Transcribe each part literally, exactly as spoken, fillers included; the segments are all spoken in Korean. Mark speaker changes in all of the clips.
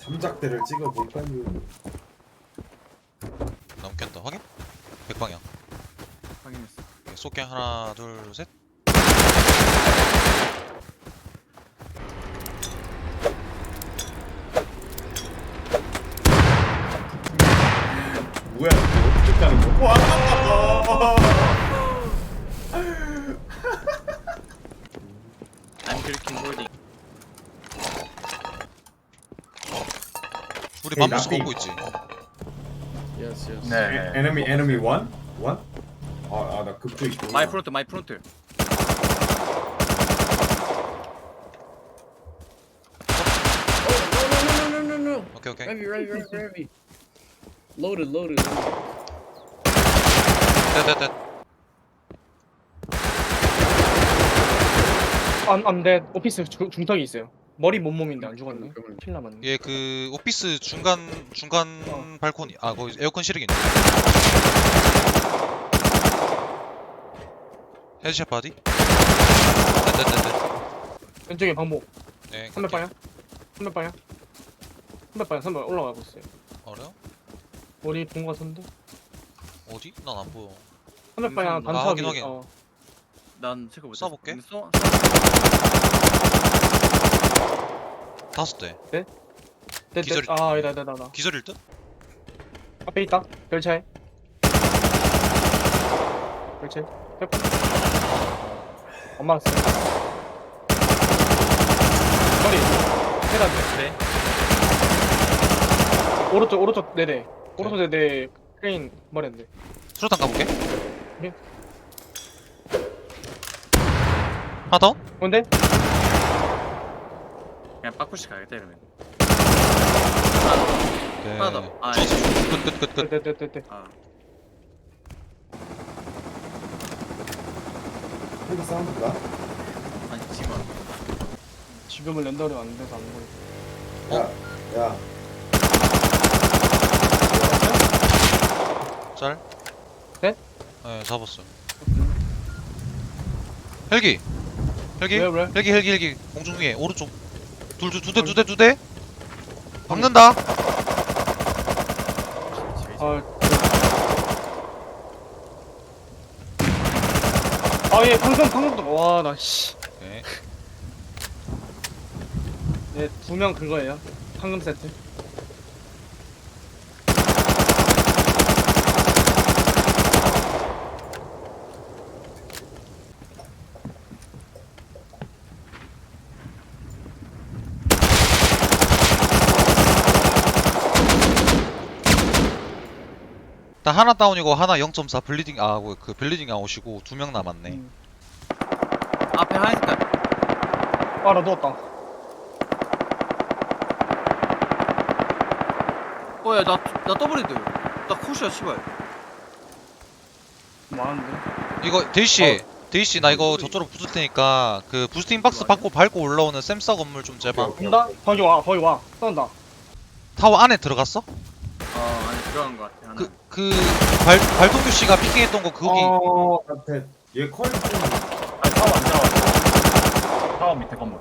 Speaker 1: 삼작대를 찍어볼까요?
Speaker 2: 넘겼다. 확인? 백방향.
Speaker 3: 확인했어.
Speaker 2: 오케이, 쏠게. 하나 둘 셋.
Speaker 1: 뭐야 이거 어떻게 가는 거? 와!
Speaker 3: I'm clicking holding.
Speaker 2: 우리
Speaker 1: 에이,
Speaker 2: 맘모스
Speaker 1: 나비.
Speaker 2: 먹고 있지.
Speaker 3: Yes, yes.
Speaker 4: 네.
Speaker 1: Enemy enemy one one? 아아나 급조 있고.
Speaker 3: My front, my front.
Speaker 5: Oh, no, no, no, no, no, no.
Speaker 2: 오케이 오케이.
Speaker 5: Heavy, heavy, heavy, heavy. Loaded, loaded.
Speaker 2: 넷넷넷.
Speaker 6: 안, 안 돼. 오피스 중, 중턱이 있어요. 머리 몸몸인데 안 죽었네.
Speaker 5: 그러면-
Speaker 6: 킬 남았네.
Speaker 2: 얘 그 오피스 중간 중간
Speaker 6: 어.
Speaker 2: 발코니. 아 거기 에어컨 실이겠네. 헤드샷 바디. 넷넷넷넷.
Speaker 6: 왼쪽에 방목.
Speaker 2: 네.
Speaker 6: 삼백 방향. 삼백 방향. 삼백 방향. 삼백 올라가고 있어요.
Speaker 2: 어려?
Speaker 6: 머리 본 거 같은데.
Speaker 2: 어디? 난 안 보여.
Speaker 6: 삼백 방향
Speaker 3: 음,
Speaker 6: 반턱이.
Speaker 2: 확인, 확인.
Speaker 6: 어.
Speaker 3: 난 체크 못했어.
Speaker 2: 쏴볼게.
Speaker 3: 근데 쏘-
Speaker 2: 다섯 대.
Speaker 6: 네, 네.
Speaker 2: 기절이-
Speaker 6: 아, 아니다, 아니다, 아니다.
Speaker 2: 기절일 듯?
Speaker 6: 앞에 있다. 별차에. 별차에. 몇 엄마 왔어. 머리. 세단
Speaker 3: 네.
Speaker 6: 오른쪽, 오른쪽 네 대. 오른쪽 네 대. 크레인 머리인데.
Speaker 2: 수류탄 가볼게.
Speaker 6: 네.
Speaker 2: 하나 더?
Speaker 6: 뭔데?
Speaker 3: 그냥 빠꾸시 가야겠다 이러면.
Speaker 2: 네.
Speaker 3: 하나 더. 아,
Speaker 2: 죽었어. 끝, 끝, 끝, 끝.
Speaker 6: 네, 네, 네, 네.
Speaker 3: 아,
Speaker 1: 헤드 사운드가?
Speaker 3: 아니 지금.
Speaker 6: 지금은 렌더링 안 돼서 안 보여.
Speaker 1: 야, 야.
Speaker 2: 짤?
Speaker 6: 네?
Speaker 2: 네, 잡았어. 헬기! 헬기?
Speaker 6: 왜, 왜?
Speaker 2: 헬기, 헬기, 헬기. 공중 위에, 오른쪽. 둘, 두, 두 대, 두 대, 두 대? 박는다!
Speaker 6: 아, 아, 예, 방금, 방금도, 와, 나, 씨.
Speaker 2: 오케이.
Speaker 6: 네, 두 명 그거예요. 황금 세트.
Speaker 2: 나 하나 다운이고, 하나 영 점 사 블리딩, 아, 그, 그 블리딩 아웃이고, 두 명 남았네.
Speaker 6: 음.
Speaker 3: 앞에 하얀 색깔.
Speaker 6: 아, 나 누웠다.
Speaker 3: 어야 나나 더블헤드. 나 컷이야 씨발.
Speaker 6: 많은데?
Speaker 2: 이거, 데이씨, 데이씨, 나 이거 저쪽으로 붙을 테니까, 그, 부스팅 박스 받고 밟고 올라오는 샘싸 건물 좀 제발.
Speaker 1: 오케이,
Speaker 6: 온다? 거기 와, 거기 와. 싸운다.
Speaker 2: 타워 안에 들어갔어?
Speaker 3: 어 안에 들어간 것 같아 하나.
Speaker 2: 그, 그, 발, 발동규 씨가 피킹했던 거, 거기.
Speaker 1: 어, 앞에 얘 컬 좀.
Speaker 4: 아니 타워 안 들어갔어. 타워 밑에 건물.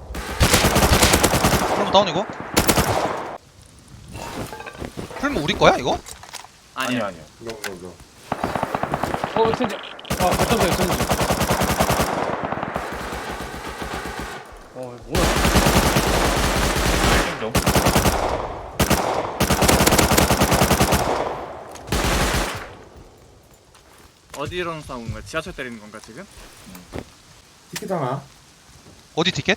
Speaker 2: 풀무 다운이고? 풀무 우리 거야, 이거?
Speaker 3: 아니야.
Speaker 4: 아니요 아니요.
Speaker 1: 이거 이거 이거.
Speaker 6: 어, 천지. 아, 버텨줘요, 천지. 어, 뭐야.
Speaker 4: 좀 좀.
Speaker 3: 어디로 싸우는 거야? 지하철 때리는 건가 지금?
Speaker 1: 티켓 하나.
Speaker 2: 어디 티켓?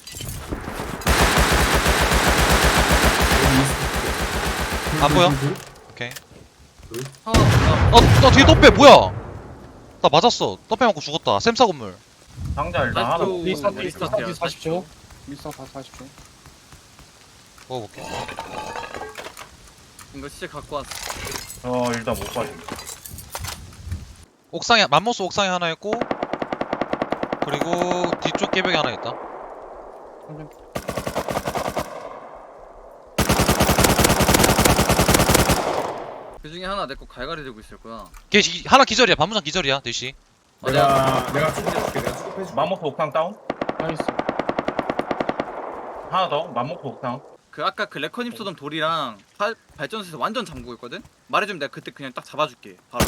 Speaker 2: 안 보여? 오케이.
Speaker 3: 어, 어.
Speaker 2: 어, 나 뒤에 떡배 뭐야? 나 맞았어. 떡배 맞고 죽었다. 샘싸 건물.
Speaker 4: 상자 일단 하나.
Speaker 3: 아이고.
Speaker 6: 리스타,
Speaker 3: 음,
Speaker 6: 리스타,
Speaker 3: 리스타트야,
Speaker 6: 리스타 사십 초. 리스타 사십 초.
Speaker 2: 먹어볼게.
Speaker 3: 이거 진짜 갖고 왔어.
Speaker 4: 저 일단 못 빠짐.
Speaker 2: 옥상에 맘모스 옥상에 하나 있고, 그리고 뒤쪽 깨벽에 하나 있다.
Speaker 3: 그 중에 하나 내 거 갈갈이 들고 있을 거야.
Speaker 2: 걔 기- 하나 기절이야. 반무장 기절이야. 대시.
Speaker 1: 내가 내가 수급해줄게. 내가 수급해줄게.
Speaker 4: 맘모스 옥상 다운.
Speaker 6: 나이스.
Speaker 4: 하나 더. 맘모스 옥상.
Speaker 3: 그 아까 그 레커님 쏘던 돌이랑 발, 발전소에서 완전 잠그고 있거든? 말해주면 내가 그때 그냥 딱 잡아줄게 바로.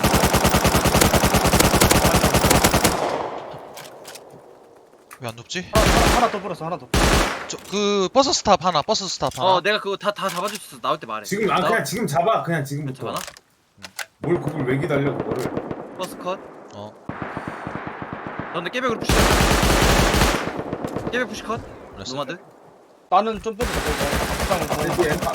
Speaker 2: 왜 안 눕지?
Speaker 6: 하나, 하나, 하나 더 불었어 하나 더.
Speaker 2: 저 그 버스 스탑 하나 버스 스탑 하나.
Speaker 3: 어 내가 그거 다 다 잡아줄 수 있어. 나올 때 말해.
Speaker 1: 지금 아
Speaker 3: 나-
Speaker 1: 그냥 지금 잡아 그냥 지금부터.
Speaker 3: 잡아놔?
Speaker 1: 뭘 그걸 왜 기다려 그거를.
Speaker 3: 버스 컷.
Speaker 2: 어.
Speaker 3: 너네 깨백으로 푸시. 깨백 푸시 컷.
Speaker 2: 그랬어.
Speaker 3: 노마드.
Speaker 6: 나는 좀 빼도 돼.
Speaker 1: 아니 그 엠파.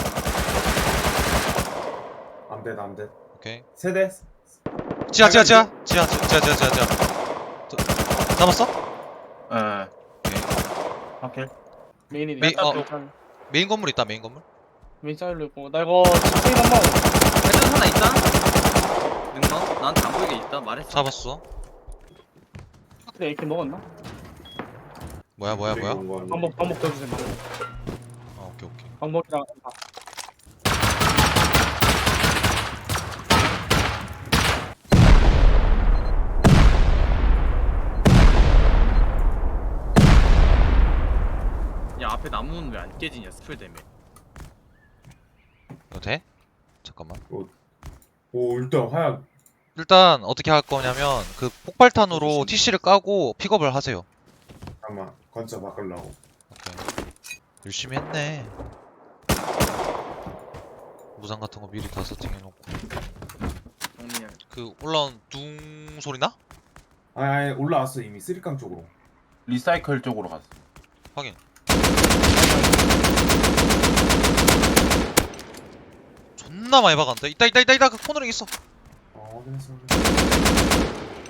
Speaker 1: 안돼 안돼.
Speaker 2: 오케이.
Speaker 1: 세대.
Speaker 2: 지하 지하 지하 지하 지하 지하 지하 지하. 저, 잡았어?
Speaker 4: 예.
Speaker 2: 오케이.
Speaker 4: 오케이.
Speaker 6: 메인이
Speaker 2: 메인- 어.
Speaker 6: 어.
Speaker 2: 메인 건물 있다 메인 건물.
Speaker 6: 메인 사일로 있고 나 이거 집중 한번.
Speaker 3: 발전소 하나 있다. 능너? 나한테 안 보이게 있다. 말했어.
Speaker 2: 잡았어.
Speaker 6: 그래 이렇게 먹었나?
Speaker 2: 뭐야 뭐야 뭐야?
Speaker 6: 반복 반복 더 주세요.
Speaker 2: 아 오케이 오케이.
Speaker 6: 반복이랑 아,
Speaker 3: 야 앞에 나무는 왜 안 깨지냐 스플 때문에.
Speaker 2: 이거 돼? 잠깐만.
Speaker 1: 오 일단 화약.
Speaker 2: 일단 어떻게 할 거냐면 그 폭발탄으로 티씨를 까고 픽업을 하세요.
Speaker 1: 잠깐만 건차 바꾸려고.
Speaker 2: 오케이. 열심히 했네. 무장 같은 거 미리 다 세팅해놓고.
Speaker 3: 정리해.
Speaker 2: 그 올라온 둥 소리 나?
Speaker 1: 아니, 아니 올라왔어 이미 쓰리깡 쪽으로.
Speaker 4: 리사이클 쪽으로 갔어.
Speaker 2: 확인. 존나 많이 박았는데? 있다 있다 있다 있다 그 코너링 있어.
Speaker 1: 어 확인했어. 확인했어.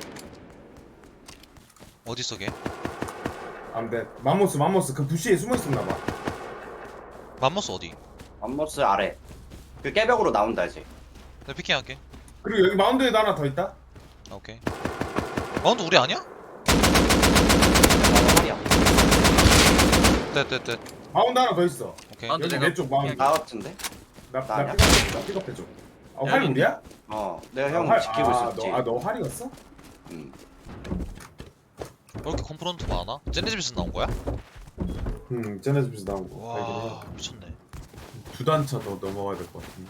Speaker 2: 어딨어 걔?
Speaker 1: 안돼 맘모스 맘모스 그 부시에 숨어 있었나봐.
Speaker 2: 맘모스 어디?
Speaker 7: 암모스 아래 그 깨벽으로 나온다 이제.
Speaker 2: 내가 피킹할게.
Speaker 1: 그리고 여기 마운드에도 하나 더 있다.
Speaker 2: 아, 오케이. 마운드 우리 아니야?
Speaker 7: 말이야.
Speaker 2: 떼떼떼.
Speaker 1: 마운드 하나 더 있어.
Speaker 2: 오케이.
Speaker 3: 마운드
Speaker 1: 여기
Speaker 3: 내가
Speaker 1: 왼쪽 마운드.
Speaker 7: 나 같은데?
Speaker 1: 나나
Speaker 7: 나냐?
Speaker 1: 픽업해줘. 나 픽업해줘. 아 활 우리야?
Speaker 7: 어, 내가 형
Speaker 1: 활-
Speaker 7: 지키고
Speaker 1: 아,
Speaker 7: 있었지.
Speaker 1: 너, 아, 너 활이었어?
Speaker 7: 응.
Speaker 2: 왜 이렇게 컴프런트 많아? 쟤네 집에서 나온 거야?
Speaker 1: 응, 쟤네 집에서 나온 거.
Speaker 2: 와 미쳤네.
Speaker 1: 두 단차 더 넘어가야 될 것 같은데.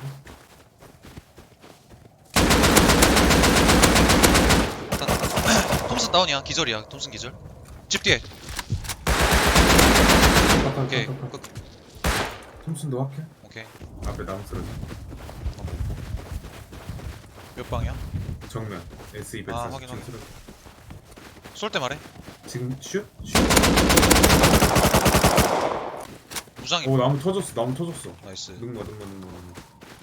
Speaker 2: 톰슨 다운이야. 기절이야. 톰슨 기절. 집 뒤에. 오케이. 끝.
Speaker 1: 톰슨도 확해?
Speaker 2: 오케이.
Speaker 1: 앞에 나무 쓰러져.
Speaker 2: 몇 방이야?
Speaker 1: 정면 에스
Speaker 2: 아,
Speaker 1: 이백사십
Speaker 2: 확인, 확인.
Speaker 1: 쓰러져.
Speaker 2: 쏠 때 말해.
Speaker 1: 지금 슛? 슛?
Speaker 2: 무장이.
Speaker 1: 오 나무 터졌어 나무 터졌어.
Speaker 2: 나이스.
Speaker 1: 능거 능거 능거 능거.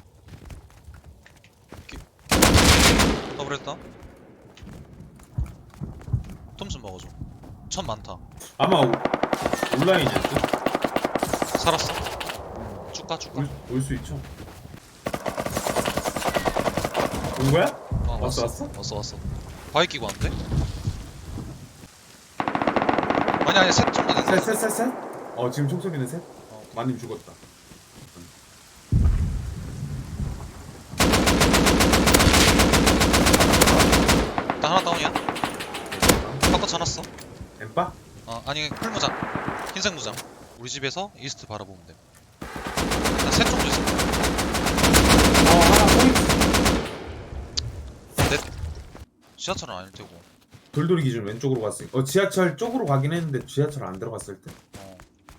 Speaker 2: 더블했다. 톰슨 먹어줘. 천 많다.
Speaker 1: 아마 오- 온라인이었지?
Speaker 2: 살았어. 쭉가 쭉가.
Speaker 1: 올수 있죠? 온 거야?
Speaker 2: 어,
Speaker 1: 왔어,
Speaker 2: 왔어
Speaker 1: 왔어?
Speaker 2: 왔어 왔어. 바위 끼고 왔는데? 아니 아니 셋 정도 된다.
Speaker 1: 셋 셋 셋 셋? 어 지금 총소리는 셋?
Speaker 2: 어.
Speaker 1: 마님 죽었다.
Speaker 2: 나 하나 다운이야. 바꿔 쳐놨어.
Speaker 1: 엠빠?
Speaker 2: 어 아니 풀무장. 흰색 무장. 우리 집에서 이스트 바라보면 돼. 나셋 정도 있어.
Speaker 1: 어 하나 포인트.
Speaker 2: 지하철은 아닐 테고.
Speaker 1: 돌돌이 기준 왼쪽으로 갔으니까 어 지하철 쪽으로 가긴 했는데 지하철 안 들어갔을 때.
Speaker 2: 어.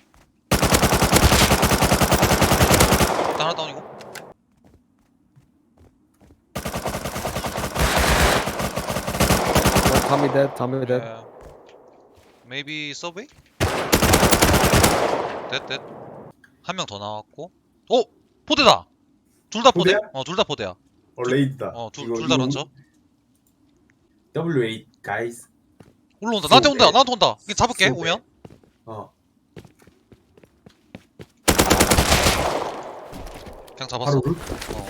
Speaker 2: 나 하나 다운이고.
Speaker 8: Tommy dead, Tommy dead.
Speaker 2: Yeah. Maybe subway? 됐 됐. 한 명 더 나왔고. 오! 포대다. 둘 다 포대?
Speaker 1: 포대야?
Speaker 2: 어, 둘 다 포대야.
Speaker 1: 어 레이드다.
Speaker 2: 어, 둘
Speaker 1: 이거-
Speaker 2: 둘 다
Speaker 1: 이거
Speaker 2: 런처.
Speaker 1: 더블유 에잇 guys.
Speaker 2: 올라온다. 나한테 온다.
Speaker 1: 네.
Speaker 2: 나한테 온다. 이거 잡을게.
Speaker 1: 네.
Speaker 2: 오면.
Speaker 1: 어
Speaker 2: 그냥 잡았어.
Speaker 1: 바로 올?
Speaker 2: 어.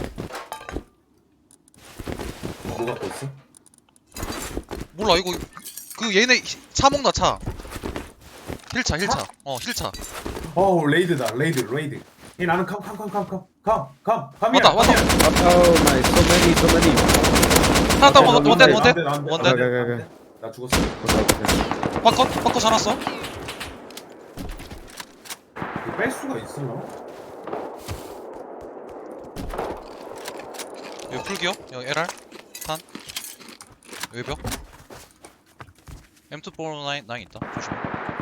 Speaker 1: 뭐 갖고 있어?
Speaker 2: 몰라. 이거 그 얘네 차 먹나 차. 힐차 힐차. 어, 힐차.
Speaker 1: 어 레이드다 레이드 레이드. 이 나는 컴컴컴컴컴컴컴 컴이야.
Speaker 2: 왔다, 왔다.
Speaker 8: Oh my, so many, so many.
Speaker 2: 하나 다운 원대 원대 원대.
Speaker 1: 원대
Speaker 2: 원대.
Speaker 8: 오케이, 오케이, 오케이.
Speaker 1: 나 죽었어.
Speaker 2: 바꿔 바꿔 살았어.
Speaker 1: 이거 뺄 수가 있을라?
Speaker 2: 여기 풀기요? 여기 엘알 탄 외벽 엠 투 사십구 있다 조심해.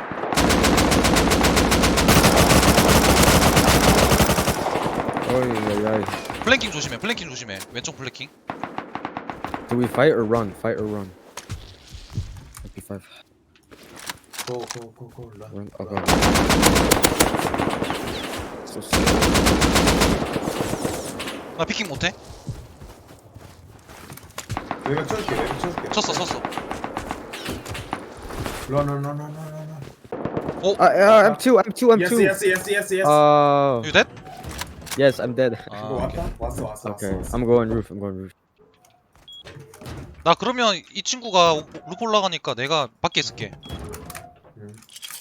Speaker 8: Oy, oy, oy.
Speaker 2: 플랭킹 조심해 플랭킹 조심해 왼쪽 플랭킹.
Speaker 8: Do we fight or run? Fight or run? fifty-five.
Speaker 1: 고고고고 런.
Speaker 8: Run. Okay. So slow.
Speaker 2: 나 피킹 못해?
Speaker 1: 외벽 쳐줄게 외벽 쳐줄게.
Speaker 2: 쳤어 쳤어.
Speaker 1: 런런런런런런.
Speaker 2: 오!
Speaker 8: Uh, uh, I'm two. I'm two. I'm
Speaker 1: Yes
Speaker 8: two.
Speaker 1: yes yes yes yes.
Speaker 8: Uh,
Speaker 2: You dead?
Speaker 8: yes, I'm dead.
Speaker 2: 아,
Speaker 1: 이거
Speaker 2: 오케이.
Speaker 1: 왔다? 왔어 왔어
Speaker 8: Okay,
Speaker 1: 왔어.
Speaker 8: I'm going roof. I'm going roof.
Speaker 2: 나 그러면 이 친구가 오- 루프 올라가니까 내가 밖에 있을게.
Speaker 1: 음.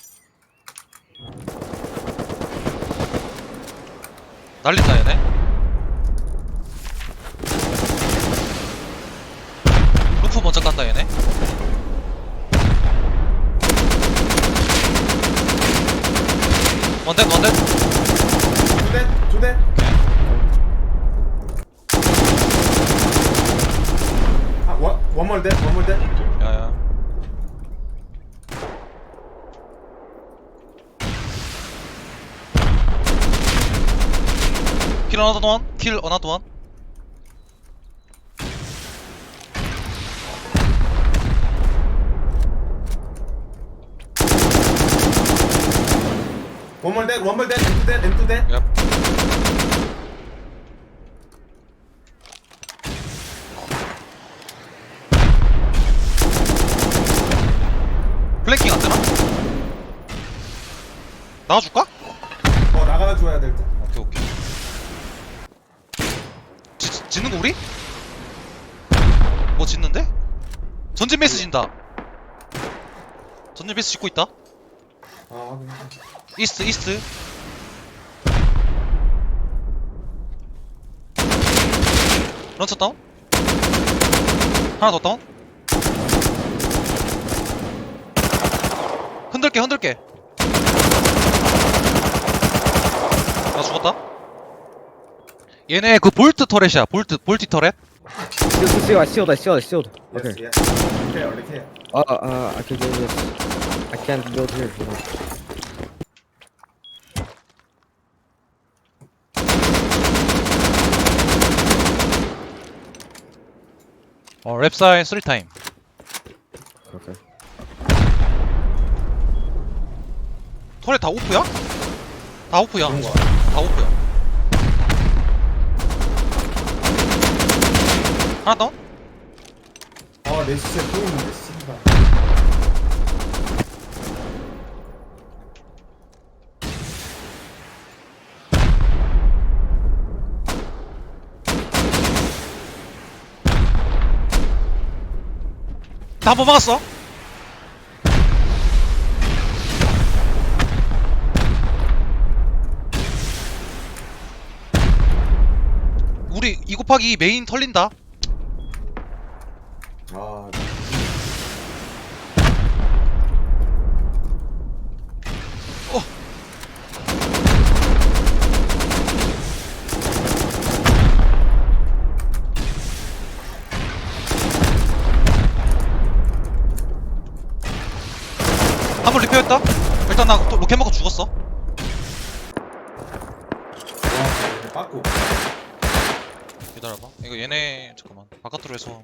Speaker 2: 날린다 얘네. 루프 먼저 간다 얘네. 원댓 원댓.
Speaker 1: 두대 두대. 아 원, 원몰 대 원몰 대.
Speaker 2: 야야. 킬 another one. 킬 another one.
Speaker 1: 원몰 대 원몰 대 엠투 대 엠투 대.
Speaker 2: 야. 플랭킹 안 되나? 나와줄까?
Speaker 1: 어 나가 줘야 될 듯.
Speaker 2: 오케이 오케이. 지, 지- 짓는 거 우리? 뭐 짓는데? 전진 베이스 진다. 전진 베이스 짓고 있다.
Speaker 1: 아 확인.
Speaker 2: 이스트 이스트. 런처 다운. 하나 더 다운. 흔들게 흔들게. 나 죽었다. 얘네 그 볼트 터렛이야. 볼트 볼티 터렛.
Speaker 8: Shield, shield, shield. I shield. I shield. I shield.
Speaker 1: Yes
Speaker 8: Okay.
Speaker 1: yes. 리케어 리케어.
Speaker 8: Uh, uh, I can do this. I can't build here. You know.
Speaker 2: 어 랩사인 쓰리 타임.
Speaker 8: Okay.
Speaker 2: 터렛 다 오프야? 다 오프야.
Speaker 1: 그런 거.
Speaker 2: 다 오프야. 하나 다운?
Speaker 1: 아내 시체 또 있는데 씨발.
Speaker 2: 나 한 번 막았어. 우리 이 곱하기 이 메인 털린다.
Speaker 1: 아
Speaker 2: 한 번 리페어했다. 일단 나 또 로켓 먹고 죽었어.
Speaker 1: 와, 빠꾸.
Speaker 2: 기다려봐. 이거 얘네 잠깐만 바깥으로 해서.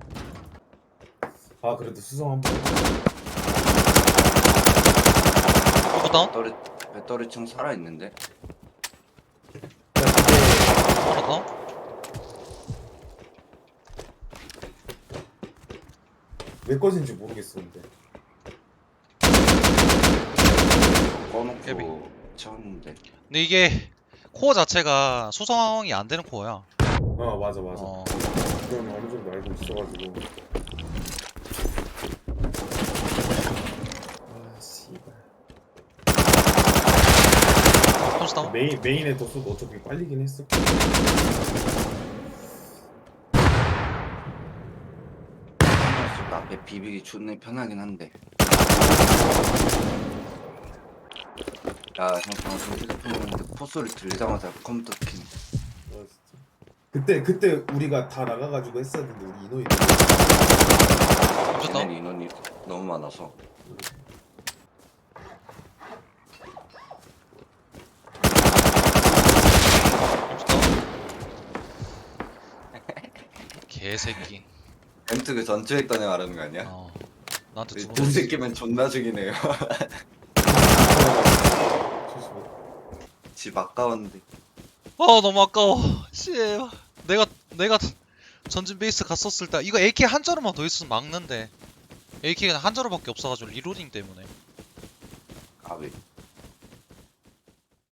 Speaker 1: 아 그래도 수성 한번.
Speaker 2: 이거 다운?
Speaker 7: 배터리 배터리 층 살아 있는데.
Speaker 2: 하나 다운?
Speaker 1: 내 것인지 모르겠었는데.
Speaker 2: 예비.
Speaker 7: 꺼놓고 쳤는데.
Speaker 2: 근데 이게 코어 자체가 수성이 안 되는 코어야.
Speaker 1: 어 맞아 맞아.
Speaker 2: 어.
Speaker 1: 그건 어느 정도 알고 있어가지고. 아 씨발.
Speaker 2: 폰스 다운?
Speaker 1: 메인 메인에 뒀어도 어차피 빨리긴 했어.
Speaker 7: 앞에 비비기 존나 편하긴 한데. 야, 형 방금 휴대폰 보는데 포소리 들리자마자 컴퓨터 킨.
Speaker 1: 어, 진짜. 그때 그때 우리가 다 나가가지고 했었는데 우리 인원이
Speaker 2: 멈췄다.
Speaker 7: 얘네 인원이 너무 많아서.
Speaker 2: 개새끼.
Speaker 7: 엠트 그 전투했던 애 말하는 거 아니야?
Speaker 2: 어. 나한테 두
Speaker 7: 이
Speaker 2: 번.
Speaker 7: 새끼면 존나 죽이네요. 집 아까웠는데.
Speaker 2: 어 너무 아까워. 씨. 내가 내가 전진 베이스 갔었을 때 이거 에이케이 한 자루만 더 있으면 막는데 에이케이가 한 자루밖에 없어가지고 리로딩 때문에.
Speaker 7: 아 왜?